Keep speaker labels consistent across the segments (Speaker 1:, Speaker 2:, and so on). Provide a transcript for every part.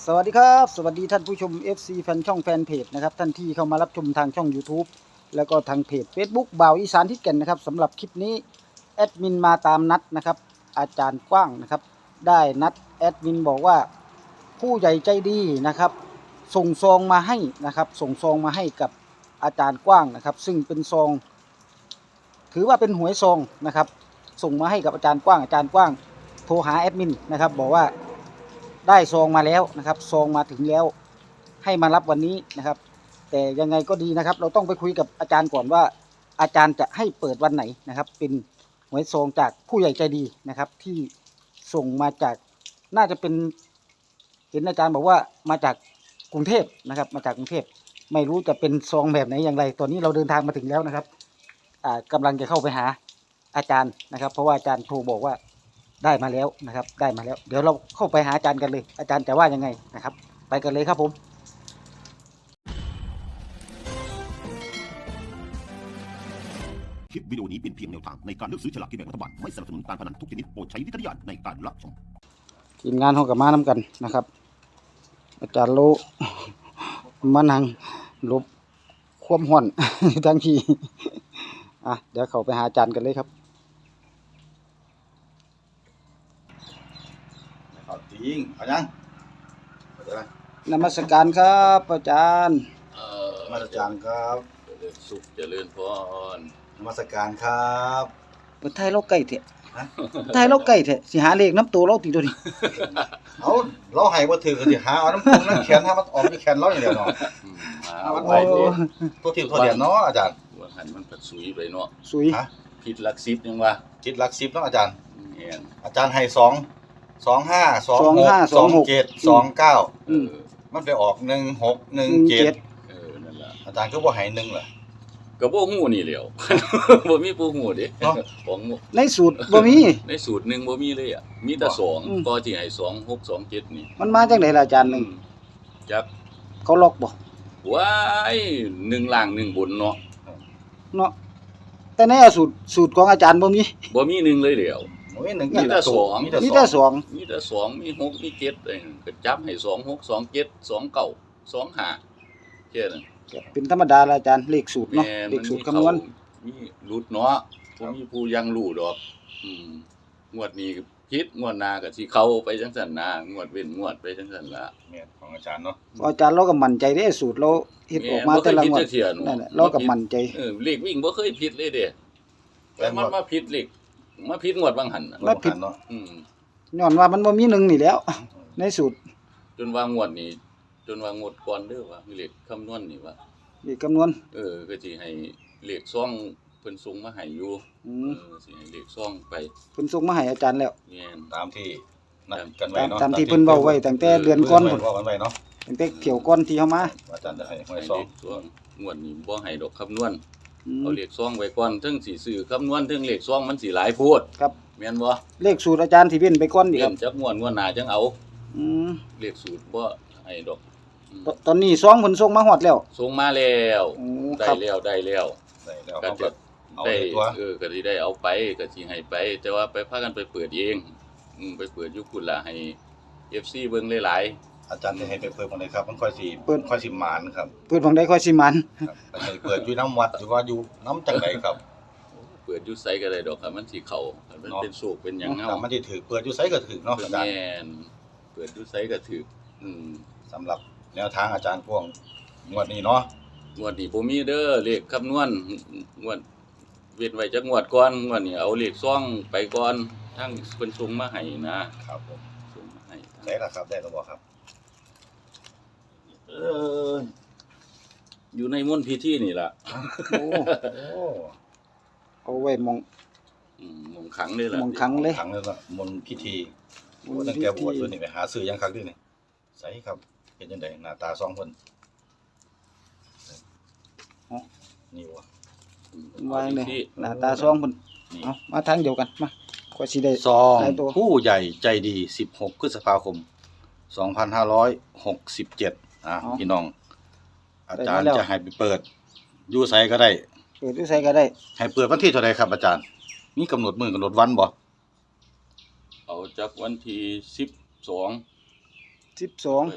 Speaker 1: สวัสดีครับสวัสดีท่านผู้ชม FC แฟนช่องแฟนเพจนะครับท่านที่เข้ามารับชมทางช่อง YouTube แล้วก็ทางเพจ Facebook บ่าวอีสานทิศแก่นนะครับสำหรับคลิปนี้แอดมินมาตามนัดนะครับอาจารย์กว้างนะครับได้นัดแอดมินบอกว่าผู้ใหญ่ใจดีนะครับส่งซองมาให้นะครับส่งซองมาให้กับอาจารย์กว้างนะครับซึ่งเป็นซองถือว่าเป็นหวยซองนะครับส่งมาให้กับอาจารย์กว้างโทรหาแอดมินนะครับบอกว่าได้ซองมาแล้วนะครับซองมาถึงแล้วให้มารับวันนี้นะครับแต่ยังไงก็ดีนะครับเราต้องไปคุยกับอาจารย์ก่อนว่าอาจารย์จะให้เปิดวันไหนนะครับเป็นหวยซองจากผู้ใหญ่ใจดีนะครับที่ส่งมาจากน่าจะเป็นเห็นอาจารย์บอกว่ามาจากกรุงเทพนะครับมาจากกรุงเทพไม่รู้จะเป็นซองแบบไหนอย่างไรตอนนี้เราเดินทางมาถึงแล้วนะครับกำลังจะเข้าไปหาอาจารย์นะครับเพราะว่าอาจารย์โทรบอกว่าได้มาแล้วนะครับได้มาแล้วเดี๋ยวเราเข้าไปหาอาจารย์กันเลยอาจารย์จะว่ายังไงนะครับไปกันเลยครับผม
Speaker 2: คลิปวิดีโอนี้เป็นเพียงแนวทางในการเลือกซื้อฉลากกินแบ่งรัฐบาลไม่สนับสนุนการพนันทุกชนิดโปรดใช้วิจารณญาณในการรับชม
Speaker 1: ทีมงานเขากับมาน้ำกันนะครับอาจารย์โลมานั่งลบความห่อน ทั้งทีเดี๋ยวเขาไปหาอาจารย์กันเลยครับ
Speaker 3: จริงเอายัง
Speaker 1: นมัสการครับอาจารย์
Speaker 3: นมัสการครับ
Speaker 4: เจริญสุขเจริญพร
Speaker 3: นมัสการครับ
Speaker 1: เปิดไทยเราไก่เถอะไทยเราไก่เถอะสิหาเลขน้ำตัวเราตีตัวนี้
Speaker 3: เอาเราให้บ่ถือก็สิหาเอาน้ำพุงน้ำแขนถ้ามันออกในแขนเราอย่างเดียวเนาะ
Speaker 4: มา
Speaker 3: ไปดิ ตัวทิ่มตัวเดียนเนาะอาจารย์
Speaker 4: หัวหันมันปัดสุยไปเนาะ
Speaker 1: สุย
Speaker 3: ฮะ
Speaker 4: ผิดหลักสิบยังวะ
Speaker 3: จิตหลัก10เนาะอาจารย์
Speaker 4: แม่น
Speaker 3: อาจารย์ให้2 25 26 27 29มันไปออก16 17
Speaker 4: นั่นล่ะ
Speaker 3: อาจารย์คือบ่ให้1ล่ะ
Speaker 4: ก็บ่ฮู้นี่แหล้ว บ่มีผู้ฮู้เด้
Speaker 3: เนาะ
Speaker 4: ของ
Speaker 1: ในสูตรบ่มี
Speaker 4: ในสูตรหนึงบ่มีเลยอ่ะมีแต่2ก็ที่ให้2 6 2 7นี่
Speaker 1: มันมาจากไหนล่ะอาจารย์หนึ่ง
Speaker 4: จัก
Speaker 1: เขาล็อกบ่
Speaker 4: ว้าย1ล่าง1บนเนาะ
Speaker 1: เนาะแต่ในสูตรของอาจารย์บ่มี
Speaker 4: บ่มี1เลยแหล้ว
Speaker 3: โอ้ย1
Speaker 4: มีแต่สอง
Speaker 3: มีแต่
Speaker 1: มีแต่
Speaker 3: 2
Speaker 1: สอง
Speaker 4: มีแต่2มี6มี7เองก็จับให้2 6 2 7 2 9 2 5แค่นั้น
Speaker 1: เป็นธรรมดาละอาจารย์เลขสูตรเนาะ
Speaker 4: แม่
Speaker 1: เลขสูตรคำนวณ
Speaker 4: มีหลุดเนาะบ่มีผู้ยังรู้ดอกงวดนี้ผิดงวดหน้าก็สิเข้าไปจังซั่นนะงวดเว้นงวดไปจังซั่นล่ะ
Speaker 3: แม่นของอาจารย์เนาะ
Speaker 1: อาจารย์เราก็มั่นใจเด้สูตรเราเฮ็ดออกมาแต่ละงวด
Speaker 4: บ่เคยผิดจักเที่ย
Speaker 1: นั่นแหละเราก็มั่นใจ
Speaker 4: เลขวิ่งบ่เคยผิดเลยเด้แต่มันมาผิดเลขมาผิดงวดบางหันน่ะ
Speaker 1: มาผิด
Speaker 3: เนาะ
Speaker 1: ย้อนว่ามันบ่มีหนึ่งนี่แหล้ว ในสูตร
Speaker 4: จนว่างวดนี้จนว่างวดก่อนเด้อว่าเลขคำนวณนี่ว่า
Speaker 1: เลขคำนวณ
Speaker 4: ก็สิให้เลขซ่องเพิ่นส่งมาให้อยู่สิให้เลขซ่องไป
Speaker 1: เพิ่นส่งมาให้อาจารย์แล้ว
Speaker 4: แม่น
Speaker 3: ตามที่นัดกันไว้เนาะ
Speaker 1: ตามที่เพิ่นเว้าไว้ตั้งแต่เดือนก่อนพุ่น
Speaker 3: เว้ากันไว้เนาะ
Speaker 1: ตั้งแต่เที่ยวก่อนที่เฮามา
Speaker 3: อาจารย์จะให้หวย
Speaker 4: ให้
Speaker 3: ซอ
Speaker 4: เล
Speaker 3: ง
Speaker 4: ขซ่องงวดนี้บ่ให้ดอกคำนวณ
Speaker 1: อืม
Speaker 4: เอาเลขซ่องไว้ก่อนถึงสิซื้อคำนวณถึงเลขซ่องมันสิหลายโพด
Speaker 1: ครับ
Speaker 4: แม่นบ่
Speaker 1: เลขสูตรอาจารย์ที่เว้นไปก่อนนี่ค
Speaker 4: เริ่
Speaker 1: รับ
Speaker 4: มจักงวดหน้าจังเอา
Speaker 1: อืม
Speaker 4: เลขสูตรบ่ให้ดอก
Speaker 1: ตอนนี้ซองเพิ่นส่งมาฮอดแล้ว
Speaker 4: ส่งมาแล้ว
Speaker 1: โอ้
Speaker 4: ได้
Speaker 1: ครับ
Speaker 4: แล้วได้แล้ว
Speaker 3: ได้แล้ว
Speaker 4: ก็
Speaker 3: เขา
Speaker 4: จะ
Speaker 3: ก็เอา
Speaker 4: ได้
Speaker 3: เลยตัว
Speaker 4: ก็สิได้เอาไปก็สิให้ไป แต่ว่าไปพากันไปเปิดเองไปเปิดอยู่พุ่นล่ะให้ FC เบิ่งหลาย
Speaker 3: อาจารย์จะให้ไปเปิดวันไหนครับมันค่อยสิหมานครับ
Speaker 1: เปิดบังได้ค่อยสิมัน
Speaker 3: ครับให้เปิดอยู่น้ำวัดหรือว่าอยู่น้ำจังไหนครับ
Speaker 4: ๆเปิดอยู่ไสก็ได้ดอกครับมันสิเข้ามันเป็นโศกเป็นหยังเฮา
Speaker 3: แต่มันจะถือเปิดอยู่ไสก็ถือเนาะอาจารย์
Speaker 4: แม่นเปิดอยู่ไสก็ถูก
Speaker 3: สำหรับแนวทางอาจารย์พวงงวดนี้เนาะ
Speaker 4: งวดนี้บ่มีเด้อเลขคำนวณงวดเว้นไว้จักงวดก่อนงวดนี้เอาเลขซ่องไปก่อนทั้งเพิ่นส่งมาให้นะครับ
Speaker 3: ผม
Speaker 4: ส่งมาให้
Speaker 3: ได้แล้วครับได้แล้วบ่ครับ
Speaker 4: อยู่ในมณฑพิธีนี่ล่ะ
Speaker 1: โอ้
Speaker 3: โอ้
Speaker 1: เอาไว้มอง
Speaker 4: มงขังนี่ล่ะ
Speaker 1: มองครั้งเลย
Speaker 3: ขังเลยละมนต์พิธี
Speaker 1: มนต์พิธี
Speaker 3: ตั้งแต่บวชด้วยนี่ไปหาซื้อยังคักด้วยนี่ใส่ครับเป็นจังไดหน้าตาสองคนนี่วะ
Speaker 1: วางเลยหน้าตาซองเพิ่น
Speaker 4: นี่
Speaker 1: เอามาทางเดียวกันมาค่อยสิได้
Speaker 3: ซอง
Speaker 1: ได้ตัว
Speaker 3: ผู้ใหญ่ใจดี16พฤษภาคม2567พี่น้อง อาจารย์จะให้ไปเปิดอยู่ไสก็ได้
Speaker 1: เปิดอยู่ไสก็ได้
Speaker 3: ให้เปิดวันที่เท่าใดครับอาจารย์มีกำหนดมื้อกำหนดวันบ่
Speaker 4: เอาจากวันที่12
Speaker 1: 12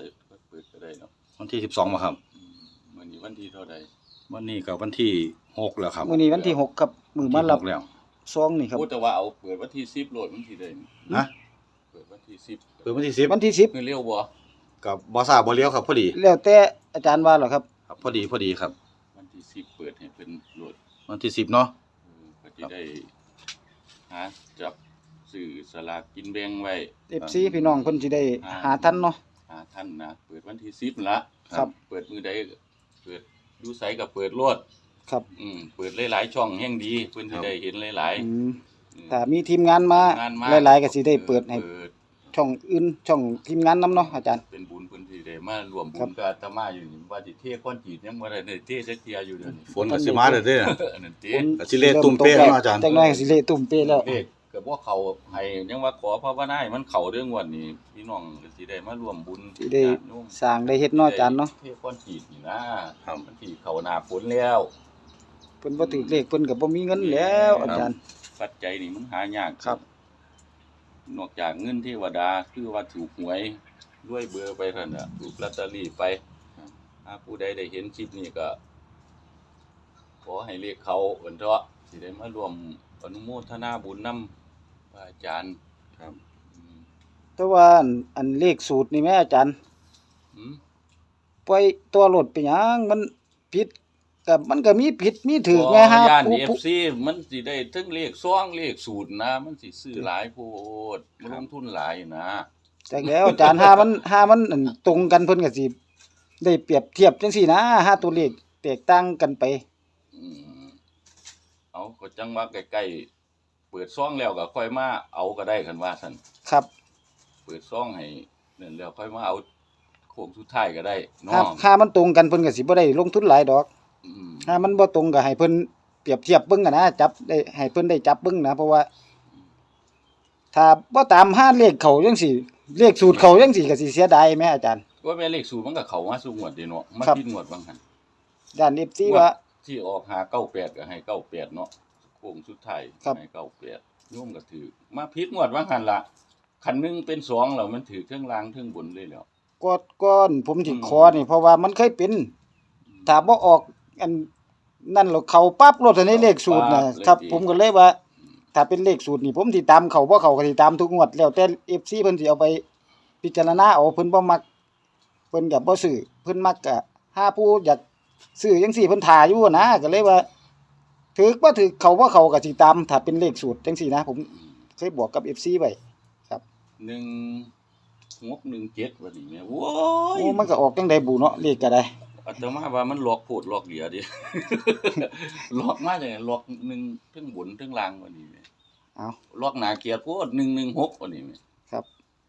Speaker 4: เปิดก็ได้เนาะ
Speaker 3: วันที่12บ่ครับ
Speaker 4: มื้อนี้วันที่เท่าใด
Speaker 3: วันนี้ก็วันที่6แล้วครับ
Speaker 1: มื้อนี้วันที่6ครับมื้อมารับ
Speaker 3: วันที่6แล้ว
Speaker 1: ซองนี่ครับ
Speaker 4: โอ้แต่ว่าเอาเปิดวันที่10โลดมันสิได้นี่
Speaker 3: นะ
Speaker 4: เปิดวันที่10
Speaker 3: เปิดวันที่
Speaker 1: วันที่
Speaker 4: เงินเร็วบ่
Speaker 3: 10กับบ่ทราบบ่เลี้ยวครับพอดี
Speaker 1: 10แล้วแต่อาจารย์ว่าเหรอครับ
Speaker 3: ครับพอดีครับ
Speaker 4: วันที่10เปิดให้เพิ่นโหลด
Speaker 3: วันที่10เนาะ
Speaker 4: ก็สิได้หาจับซื้อสลากกินแบ่งไว้
Speaker 1: FC พี่น้องเพิ่นสิได้หาทันเนาะ
Speaker 4: หาท่านนะเปิดวันที่10นั่นละ
Speaker 1: ครับ
Speaker 4: เปิดมือใดก็เปิดอยู่ไสก็เปิดโลด
Speaker 1: ครับ
Speaker 4: เปิดหลายๆช่องแห่งดีเพิ่นสิได้เห็นหลาย
Speaker 1: อืม
Speaker 4: ๆ
Speaker 1: ถ้ามีทีมงานมา
Speaker 4: งานมา
Speaker 1: หลายๆก็สิได้เปิดให้ช่องอื่นช่องทีมงานนํเนาะอาจารย์
Speaker 4: เป็นบุญเพิ่นสิได้มารวมบุ
Speaker 1: ครั
Speaker 4: ญ
Speaker 1: บ
Speaker 4: กับอาตมาอยู่นี่ว่าสิเทก้อนจีดยังบ่ได้เทสักเที่ยอยู่เดี๋ยวนี้
Speaker 3: ฝนก็สิมาเด้อเด้อ
Speaker 4: อันนั้นเท
Speaker 3: ก็สิเละตุ่มเป๊ะแล้วเนาะอาจารย์
Speaker 1: จักหน่อยก็สิเละตุ่มเป๊ะแล้ว
Speaker 4: เลขก็บ่เข้าให้ยังว่าขอภาวนาให้มันเข้าเรื่องวันนี้พี่น้องก็สิได้มารวมบุญ
Speaker 1: สิได้
Speaker 4: ญาติโยม
Speaker 1: สร้างได้เฮ็ดเนาะอาจารย์เนาะ
Speaker 4: เทก้อนจีดนี่นะครับ มันสิเข้าหน้าฝนแล้ว
Speaker 1: เพิ่นบ่ถือเลขเพิ่นก็บ่มีเงินแล้วอาจารย์
Speaker 4: ปัจจัยนี่มันหายาก
Speaker 1: ครับ
Speaker 4: นอกจากเงินเทวดาคือว่าถูกหวยด้วยเบอร์ไปเท่านั้นน่ะถูกลอตเตอรี่ไปถ้าผู้ใดได้เห็นคลิปนี้ก็ขอให้เลขเขาเอิ้นเถาะสิได้มารวมอนุโมทนาบุญนำพระอาจารย์
Speaker 3: ครับ
Speaker 1: แต่ว่าอันเลขสูตรนี่แม่อาจารย์
Speaker 4: อืม
Speaker 1: ปล่อยตัวรถไปหยังมันผิดก็มันก็มีผิดมีถูกไงฮะ
Speaker 4: ย่าน
Speaker 1: ผู้
Speaker 4: FC มันสิได้ทั้งเลขซ่องเลขสูตรนะ มันสิซื้อหลายโพดมันลงทุนหลายนะ
Speaker 1: จักแล้วอาจารย์หามันอันตรงกันเพิ่นก็สิได้เปรียบเทียบจังซี่นะหาตัวเลขแตกต่างกันไป
Speaker 4: อืมเอาก็จังว่าใกล้ๆเปิดซ่องแล้วก็ค่อยมาเอาก็ได้คันว่าซั่น
Speaker 1: ครับ
Speaker 4: เปิดซ่องให้นั่นแล้วค่อยมาเอาโค้งสุดท้ายก็ได้เนาะ
Speaker 1: หามันตรงกันเพิ่นก็สิบ่ได้ลงทุนหลายดอก
Speaker 4: อืม
Speaker 1: ถ้ามันบ่ตรงก็ให้เพิ่นเปรียบเทียบเบิ่งกันนะจับได้ให้เพิ่นได้จับเบิ่งนะเพราะว่า ถ้าบ่ตามหาเลขเขาจังซี่เลขสูตรเขาจังซี่ก็สิเสียดายแม่อาจารย์
Speaker 4: ว่าแม่เลขสูตรมันก็เข้ามาสู่งวดเด้เนาะมา
Speaker 1: ครับ
Speaker 4: ผิดงวดบางหั่น
Speaker 1: ด้าน FC ว่า
Speaker 4: ที่ออก598ก็ให้98เนาะโค้งสุดท้าย
Speaker 1: ครับ
Speaker 4: ให้98โยมก็ถือมาผิดงวดบางหั่นล่ะคันหนึงเป็น2แล้วมันถือเทิงล่างเทิงบนเลยแล้ว
Speaker 1: ก้อนผมสิขอนี่เพราะว่ามันเคยเป็นถ้าบ่ออกอันนั่นแล้วเขาปั๊บรถในเลขสูตรนะครับผมก็เลยว่า ถ้าเป็นเลขสูตรนี่ผมสิตามเขาบ่เขาก็สิตามทุกงวดแล้วแต่ FC เพิ่นสิเอาไปพิจารณาเอาเพิ่นบ่มักเพิ่นก็บ่ซื้อเพิ่นมักก็หาผู้อยากซื้อจังซี่เพิ่นท่าอยู่นะก็เลยว่าถึกบ่ถึกเขาบ่เขาก็สิตามถ้าเป็นเลขสูตรจังซี่นะผมเคยบอกกับ FC ไว้
Speaker 4: 1617ว่านี่แม่โอ้ย
Speaker 1: โอ้มันก็ออกจังได๋บุเนาะเลขก็ได้
Speaker 4: อาตมาว่ามันหลอกโพดหลอกเหลียดิ หลอกมาจังได๋หลอกหนึ่งเทิงบนเทิงล่างว่านี่แม่
Speaker 1: เอา
Speaker 4: หลอกหน้าเกียรติโพด116ว่านี่แม่
Speaker 1: ครับ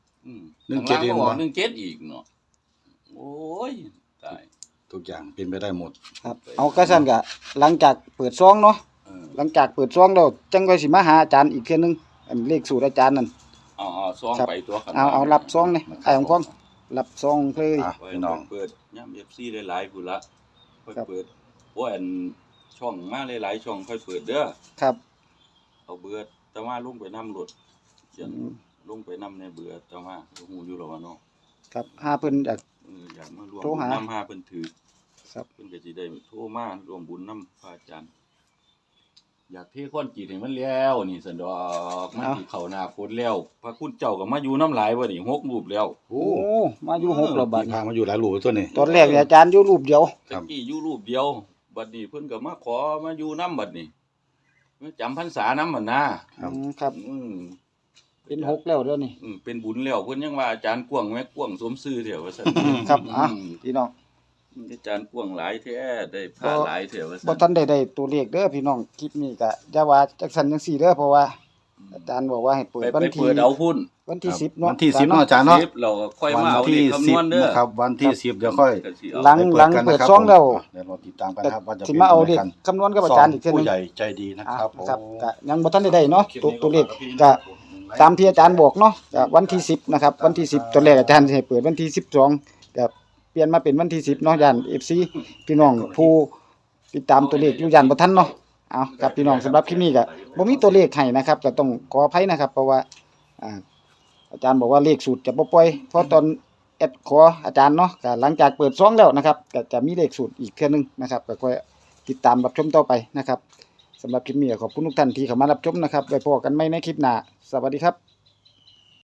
Speaker 3: 17
Speaker 4: อี
Speaker 3: อี
Speaker 4: ก
Speaker 3: ก
Speaker 4: บ่
Speaker 3: บ่
Speaker 4: 17อีกเนาะโอ้ยตาย
Speaker 3: ทุกอย่างเป็นไปได้หมด
Speaker 1: ครับเอาก็ซั่นก็หลังจากเปิดซองเนาะ
Speaker 4: เออ
Speaker 1: หลังจากเปิดซองแล้วจังค่อยสิมาหาอาจารย์อีกเทื่อนึงอันเลขสูตรอาจารย์นั่น
Speaker 4: เอาซอง
Speaker 1: ครับ
Speaker 4: ไปตัวกัน
Speaker 1: เอารับซองนี่ไอ้ของพองรับซองเลย
Speaker 3: อ่ะ พี่น้อง
Speaker 4: เปิดย่ำ FC หลายๆพุ่นละค่อย
Speaker 1: ครับ
Speaker 4: เปิดโอ้ยอันช่องมาหลายๆช่องค่อยเปิดเด้อ
Speaker 1: ครับ
Speaker 4: เอาเบื่อแต่ว่าลงไปนำรถ
Speaker 1: อืม
Speaker 4: ลงไปนำในเบื่อแต่ว่าฮู้อยู่แล้วว่าเนาะ
Speaker 1: ครับหาเพิ่นอยาก
Speaker 4: อยากมารวม
Speaker 1: โทร
Speaker 4: บุญ
Speaker 1: หา
Speaker 4: นำหาเพิ่นถือ
Speaker 1: ครับ
Speaker 4: เพิ่นก็สิได้โทรมารวมบุญนำพระอาจารย์ อยากเทค้อนจีดให้มันแล้วนี่สันดอกมันสิเข้าหน้าฝนแล้ว พระคุณเจ้าก็มาอยู่น้ำหลายบ่นี่6รูปแล้ว
Speaker 1: โอ้มาอยู่6แล้วบัด
Speaker 3: พามาอยู่หลายหลู่ตัวนี้
Speaker 1: ตอนแรกเนี่ยอาจารย์อยู่รูปเดียว
Speaker 3: ครั
Speaker 4: ตะ
Speaker 3: บ
Speaker 4: กี้อยู่รูปเดียวบัดนี้เพิ่นก็มาขอมาอยู่นำบัดนี้มาจำพรรษานำหั่นนะครับ
Speaker 1: ครับ
Speaker 4: อืม
Speaker 1: เป็น6แล้วเดี๋ยวนี้
Speaker 4: เป็นบุญแล้วเพิ่นยังว่าอาจารย์กวางแม่กวางสมชื่อเถอะว่าซั่น
Speaker 1: ครับอ่ะพี่น้อง
Speaker 4: อาจารย์กวางหลายแท้ได้ผ้าหลายแท้ว่า
Speaker 1: บ่
Speaker 4: ซั่น
Speaker 1: ทันได้ตัวเลขเด้อพี่น้องคลิปนี้ก็อย่าว่าจักซั่นจังซี่เด้อเพราะว่า อาจารย์บอกว่าให้เปิด
Speaker 4: ไป
Speaker 1: วัน
Speaker 4: ไป
Speaker 1: ที่
Speaker 4: เปิดเอาพุ่น
Speaker 1: วันที่10เนาะ
Speaker 3: วันที่10เนาะอาจารย์เนาะ
Speaker 4: 10เราก็ค่อย
Speaker 3: วั
Speaker 4: มาเอา
Speaker 3: ที่
Speaker 4: เลขคำนวณเด้อ
Speaker 3: นะครับวันที่10เดี๋ยวค่อย
Speaker 4: ก็สิเอา
Speaker 1: หลัง
Speaker 3: ไปกัน
Speaker 1: เปิด
Speaker 3: นะครับ
Speaker 1: ซองแล้ว
Speaker 3: เดี๋ยวเราติดตามกันครับว่าจะ
Speaker 1: สิ
Speaker 3: เป็น
Speaker 1: มาเอาเลข
Speaker 3: กัน
Speaker 1: คำนวณกับอาจารย์อีกเทื่อนึ
Speaker 3: ผู้
Speaker 1: ง
Speaker 3: ใหญ่ใจดีนะครับผม
Speaker 1: ครับก็ยังบ่ทันได้เนาะตัวเลขก็ตามที่อาจารย์บอกเนาะก็วันที่10นะครับวันที่10ตอนแรกอาจารย์สิให้เปิดวันที่12ก็เปลี่ยนมาเป็นวันที่10เนาะย่าน FC พี่น้องผู้ติดตามตัวเลขอยู่ย่านบ่ทันเนาะเอาครับพี่น้องสำหรับคลิปนี้ก็บ่มีตัวเลขให้นะครับก็ต้องขออภัยนะครับ เพราะว่าอาจารย์บอกว่าเลขสูตรจะบ่ปล่อยเพราะตอนแอดขออาจารย์เนาะก็หลังจากเปิดซองแล้วนะครับก็จะมีเลขสูตรอีกเทื่อนึงนะครับก็ค่อยติดตามรับชมต่อไปนะครับสำหรับคลิปนี้ขอบคุณทุกท่านที่เข้ามารับชมนะครับไว้พบกันใหม่ในคลิปหน้าสวัสดีครับ